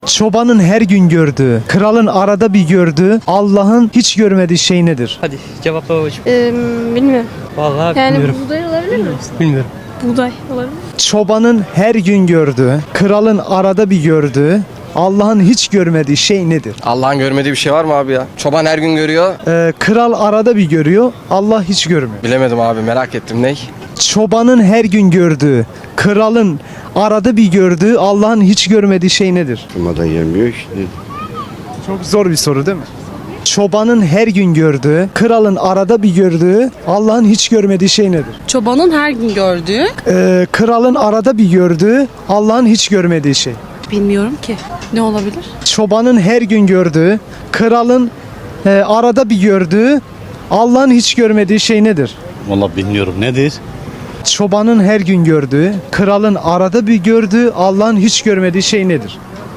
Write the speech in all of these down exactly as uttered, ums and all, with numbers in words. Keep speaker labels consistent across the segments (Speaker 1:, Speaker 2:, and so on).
Speaker 1: Çobanın her gün gördüğü, kralın arada bir gördüğü, Allah'ın hiç görmediği şey nedir?
Speaker 2: Hadi cevapla babacığım.
Speaker 3: Ee, bilmiyorum.
Speaker 2: Vallahi
Speaker 3: Yani
Speaker 2: bilmiyorum.
Speaker 3: buğday olabilir mi?
Speaker 2: Bilmiyorum.
Speaker 3: Buğday olabilir mi?
Speaker 1: Çobanın her gün gördüğü, kralın arada bir gördüğü, Allah'ın hiç görmediği şey nedir?
Speaker 4: Allah'ın görmediği bir şey var mı abi ya? Çoban her gün görüyor.
Speaker 1: Ee, kral arada bir görüyor, Allah hiç görmüyor.
Speaker 4: Bilemedim abi, merak ettim. Ney?
Speaker 1: Çobanın her gün gördüğü, kralın arada bir gördüğü, Allah'ın hiç görmediği şey nedir?
Speaker 5: Durmadan gelmiyor işte.
Speaker 1: Çok zor bir soru değil mi? Çobanın her gün gördüğü, kralın arada bir gördüğü, Allah'ın hiç görmediği şey nedir?
Speaker 6: Çobanın her gün gördüğü,
Speaker 1: Ee, kralın arada bir gördüğü, Allah'ın hiç görmediği şey.
Speaker 6: bilmiyorum ki. Ne olabilir?
Speaker 1: Çobanın her gün gördüğü, kralın e, arada bir gördüğü, Allah'ın hiç görmediği şey nedir?
Speaker 7: Vallahi bilmiyorum nedir?
Speaker 1: Çobanın her gün gördüğü, kralın arada bir gördüğü, Allah'ın hiç görmediği şey nedir?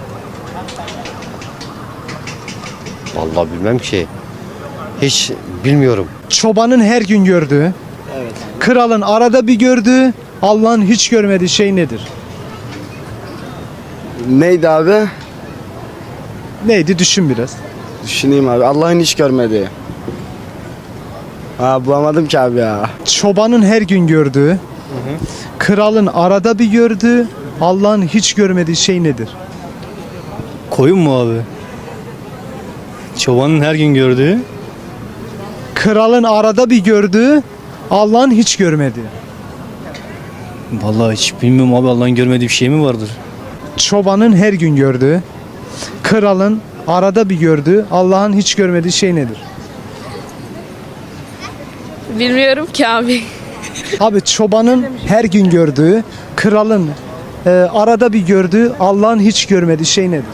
Speaker 5: Vallahi bilmem ki. Hiç bilmiyorum.
Speaker 1: Çobanın her gün gördüğü, kralın arada bir gördüğü, Allah'ın hiç görmediği şey nedir?
Speaker 8: Neydi abi?
Speaker 1: Neydi düşün biraz.
Speaker 8: Düşüneyim abi. Allah'ın hiç görmediği. Ha bulamadım ki abi ya.
Speaker 1: Çobanın her gün gördüğü, kralın arada bir gördüğü, Allah'ın hiç görmediği şey nedir?
Speaker 7: Koyun mu abi? Çobanın her gün gördüğü.
Speaker 1: Kralın arada bir gördüğü, Allah'ın hiç görmediği.
Speaker 7: Vallahi hiç bilmiyorum abi, Allah'ın görmediği bir şey mi vardır?
Speaker 1: Çobanın her gün gördüğü, kralın arada bir gördüğü, Allah'ın hiç görmediği şey nedir?
Speaker 3: Bilmiyorum ki abi.
Speaker 1: Abi çobanın her gün gördüğü, kralın e, arada bir gördüğü, Allah'ın hiç görmediği şey nedir?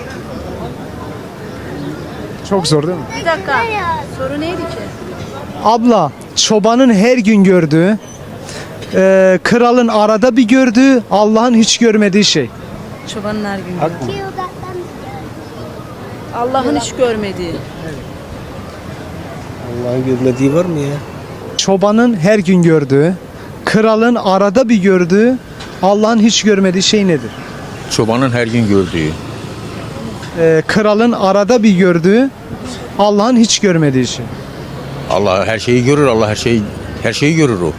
Speaker 1: Çok zor değil mi?
Speaker 3: Bir dakika. Soru neydi ki?
Speaker 1: Abla, çobanın her gün gördüğü, e, kralın arada bir gördüğü, Allah'ın hiç görmediği şey.
Speaker 6: Çobanın her gün gördüğü. Allah'ın hiç görmediği.
Speaker 8: Allah'ın görmediği var mı ya?
Speaker 1: Çobanın her gün gördüğü, kralın arada bir gördüğü, Allah'ın hiç görmediği şey nedir?
Speaker 9: Çobanın her gün gördüğü.
Speaker 1: E, kralın arada bir gördüğü, Allah'ın hiç görmediği şey.
Speaker 9: Allah her şeyi görür. Allah her şeyi her şeyi görür o.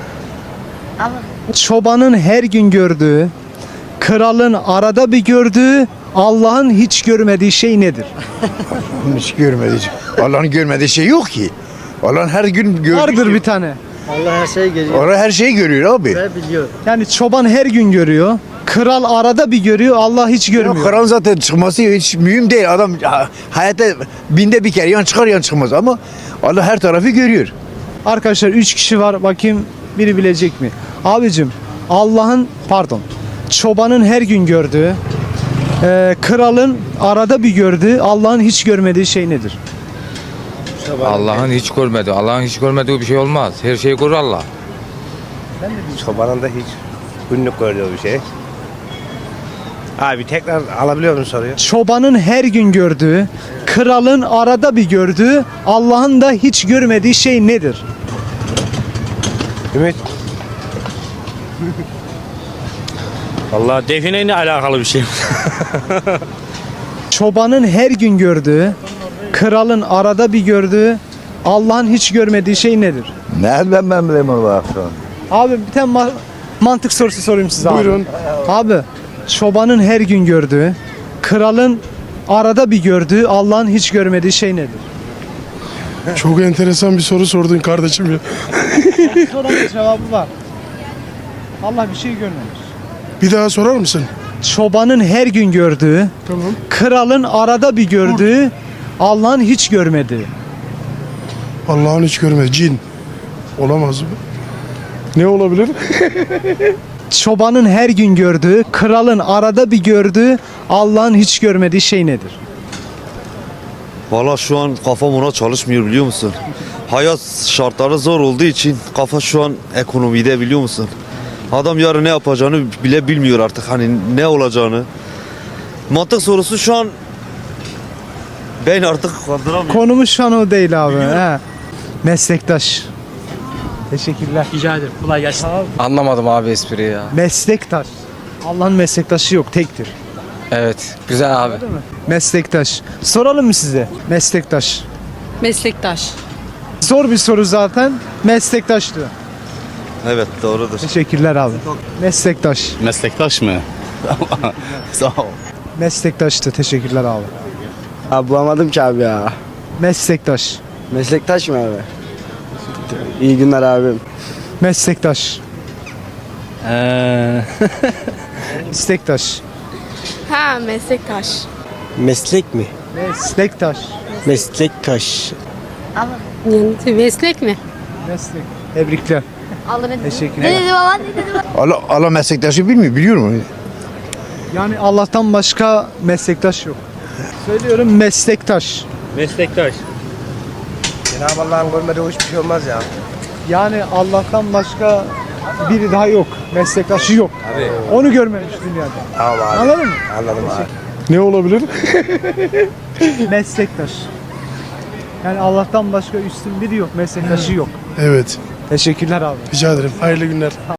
Speaker 1: Çobanın her gün gördüğü, kralın arada bir gördüğü, Allah'ın hiç görmediği şey nedir?
Speaker 10: Hiç görmediği şey. Allah'ın görmediği şey yok ki. Allah'ın her gün gördüğü
Speaker 1: Vardır
Speaker 10: şey.
Speaker 1: bir tane.
Speaker 8: Allah her şeyi görüyor
Speaker 10: Allah her şeyi görüyor abi.
Speaker 8: ve biliyor.
Speaker 1: Yani çoban her gün görüyor, kral arada bir görüyor, Allah hiç
Speaker 10: Ya
Speaker 1: görmüyor.
Speaker 10: Kur'an zaten çıkması hiç mühim değil. Adam ha- hayatta binde bir kere yan çıkar yan çıkmaz ama Allah her tarafı görüyor.
Speaker 1: Arkadaşlar üç kişi var, bakayım biri bilecek mi? Abicim, Allah'ın pardon, çobanın her gün gördüğü, e, kralın arada bir gördüğü, Allah'ın hiç görmediği şey nedir?
Speaker 11: Allah'ın hiç görmediği, Allah'ın hiç görmediği bir şey olmaz. Her şeyi görür Allah.
Speaker 5: Çobanın da hiç günlük gördüğü bir şey. Abi tekrar alabiliyor musun soruyu?
Speaker 1: Çobanın her gün gördüğü, kralın arada bir gördüğü, Allah'ın da hiç görmediği şey nedir?
Speaker 5: Ümit.
Speaker 7: Vallahi defineyle alakalı bir şey.
Speaker 1: Çobanın her gün gördüğü, kralın arada bir gördüğü, Allah'ın hiç görmediği şey nedir?
Speaker 10: Nereden ben bileyim Allah
Speaker 1: Abi bir tane ma- mantık sorusu sorayım size abi.
Speaker 8: Buyurun.
Speaker 1: Abi, çobanın her gün gördüğü, kralın arada bir gördüğü, Allah'ın hiç görmediği şey nedir?
Speaker 12: Çok enteresan bir soru sordun kardeşim ya.
Speaker 1: Sorunun cevabı var. Allah bir şey görmemiş.
Speaker 12: Bir daha sorar mısın?
Speaker 1: Çobanın her gün gördüğü,
Speaker 12: Tamam.
Speaker 1: kralın arada bir gördüğü, Allah'ın hiç görmediği.
Speaker 12: Allah'ın hiç görmedi. Cin. Olamaz mı? Ne olabilir?
Speaker 1: Çobanın her gün gördüğü, kralın arada bir gördüğü, Allah'ın hiç görmediği şey nedir?
Speaker 13: Valla şu an kafam ona çalışmıyor, biliyor musun? Hayat şartları zor olduğu için kafa şu an ekonomide, biliyor musun? Adam yarın ne yapacağını bile bilmiyor artık, hani ne olacağını. Mantık sorusu şu an ben artık kaldıramıyorum.
Speaker 1: Konumuz şu an o değil abi. He. Meslektaş. Teşekkürler.
Speaker 2: Rica ederim. Kolay gelsin.
Speaker 4: Anlamadım abi espriyi ya.
Speaker 1: Meslektaş. Allah'ın meslektaşı yok, tektir.
Speaker 4: Evet. Güzel abi.
Speaker 1: Meslektaş. Soralım mı size? Meslektaş.
Speaker 6: Meslektaş.
Speaker 1: Zor bir soru zaten. Meslektaş diyor.
Speaker 13: Evet doğrudur.
Speaker 1: Teşekkürler abi. Meslektaş.
Speaker 7: Meslektaş mı? Sağ ol.
Speaker 1: Meslektaştı. Teşekkürler abi.
Speaker 8: Abi bulamadım ki abi ya.
Speaker 1: Meslektaş.
Speaker 8: Meslektaş mı abi? İyi günler abim.
Speaker 1: Meslektaş. Meslektaş.
Speaker 3: Ha meslektaş.
Speaker 8: Meslek mi?
Speaker 1: Meslektaş.
Speaker 8: Meslektaş.
Speaker 3: Meslek mi?
Speaker 1: Meslek. Tebrikler.
Speaker 3: Allah ne
Speaker 1: Teşekkürler.
Speaker 3: baba ne dedi baba?
Speaker 10: Allah, Allah meslektaşı bilmiyor, biliyor mu?
Speaker 1: Yani Allah'tan başka meslektaş yok. Söylüyorum meslektaş.
Speaker 7: Meslektaş.
Speaker 5: Cenab-ı Allah'ın görmediği hiçbir şey olmaz ya.
Speaker 1: Yani Allah'tan başka biri daha yok. Meslektaşı yok. Onu görmemiş dünyada.
Speaker 5: Tamam abi.
Speaker 1: Anladın mı?
Speaker 5: Anladım abi.
Speaker 12: Ne olabilir?
Speaker 1: Meslektaş. Yani Allah'tan başka üstün biri yok. Meslektaşı yok.
Speaker 12: Evet.
Speaker 1: Teşekkürler abi.
Speaker 12: Rica ederim. Hayırlı günler.